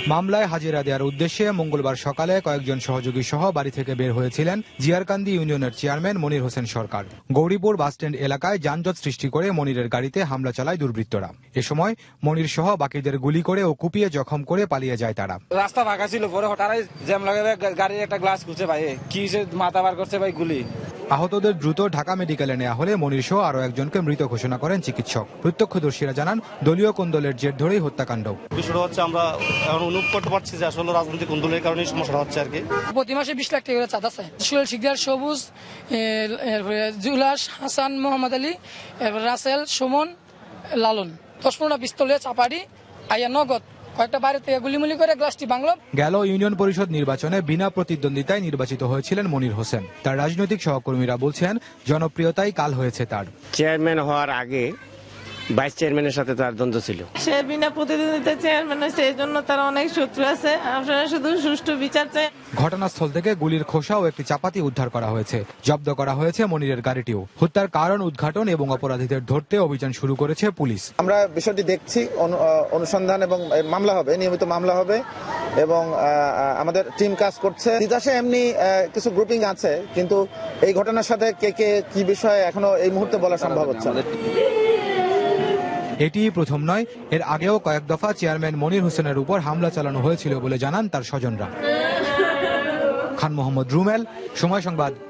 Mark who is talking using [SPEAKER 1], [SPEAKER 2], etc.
[SPEAKER 1] মামলায় হাজিরা দেওয়ার উদ্দেশ্যে মঙ্গলবার সকালে কয়েকজন সহযোগী সহ বাড়ি থেকে বের হয়েছিলেন জিয়ারকান্দি ইউনিয়নের চেয়ারম্যান মনির হোসেন সরকার। গৌরীপুর বাসস্ট্যান্ড এলাকায় যানজট সৃষ্টি করে মনিরের গাড়িতে হামলা চালায় দুর্বৃত্তরা। এ সময় মনির সহ বাকিদের গুলি করে ও কুপিয়ে জখম করে পালিয়ে যায় তারা।
[SPEAKER 2] রাস্তা ফাঁকা ছিল, পরে হঠাৎ জ্যাম লাগে, গাড়ির একটা গ্লাস খুলছে ভাই, কি মাথা বার করছে ভাই গুলি।
[SPEAKER 1] আহতদের দ্রুত ঢাকা মেডিকেলে নেওয়া হলে মনির সহ আরো একজনকে মৃত ঘোষণা করেন চিকিৎসক। প্রত্যক্ষদর্শীরা জানান দলীয় কোন্দলের জের ধরেই হত্যাকাণ্ড।
[SPEAKER 3] বিষয়টা হচ্ছে আমরা এখন অনুভব করতে পারছি যে আসলে রাজনৈতিক কোন্দলের কারণে সমস্যাটা হচ্ছে আর কি।
[SPEAKER 4] প্রতি মাসে 20 লাখ টাকা করে চাঁদা আছে। সুহেল শিকদার, সবুজ, জুলাস, হাসান, মোহাম্মদ আলী, রাসেল, সুমন, লালন 10-15টা পিস্তলে চাপাড়ি আইয়া নগদ কয়েকটা বাড়ি থেকে গুলিমুলি করে গ্লাসটি বাংলো।
[SPEAKER 1] গেল ইউনিয়ন পরিষদ নির্বাচনে বিনা প্রতিদ্বন্দ্বিতায় নির্বাচিত হয়েছিলেন মনির হোসেন। তার রাজনৈতিক সহকর্মীরা বলছেন জনপ্রিয়তাই কাল হয়েছে তার।
[SPEAKER 5] চেয়ারম্যান হওয়ার আগে ভাইস চেয়ারম্যানের সাথে তার দ্বন্দ্ব ছিল।
[SPEAKER 6] সে বিনা প্রতিদ্বন্দ্বিতায় চেয়ারম্যান হয়েছে, এই জন্য তার অনেক শত্রু আছে। আপনারা শুধু সুষ্ঠু বিচার চাই।
[SPEAKER 1] ঘটনাস্থল থেকে গুলির খোসা ও একটি চাপাতি উদ্ধার করা হয়েছে। জব্দ করা হয়েছে মনিরের গাড়িটিও। হত্যার কারণ উদ্ঘাটন এবং অপরাধীদের ধরতে অভিযান শুরু করেছে পুলিশ।
[SPEAKER 7] আমরা বিষয়টি দেখছি, অনুসন্ধান এবং মামলা হবে, নিয়মিত মামলা হবে এবং আমাদের টিম কাজ করছে। তিতাসে এমনি কিছু গ্রুপিং আছে, কিন্তু এই ঘটনার সাথে কে কে কি বিষয়ে এখনো এই মুহূর্তে বলা সম্ভব হচ্ছে না।
[SPEAKER 1] এটি প্রথম নয়, এর আগেও কয়েক দফা চেয়ারম্যান মনির হোসেনের উপর হামলা চালানো হয়েছিল বলে জানান তার স্বজনরা। খান মোহাম্মদ রুমেল, সময় সংবাদ,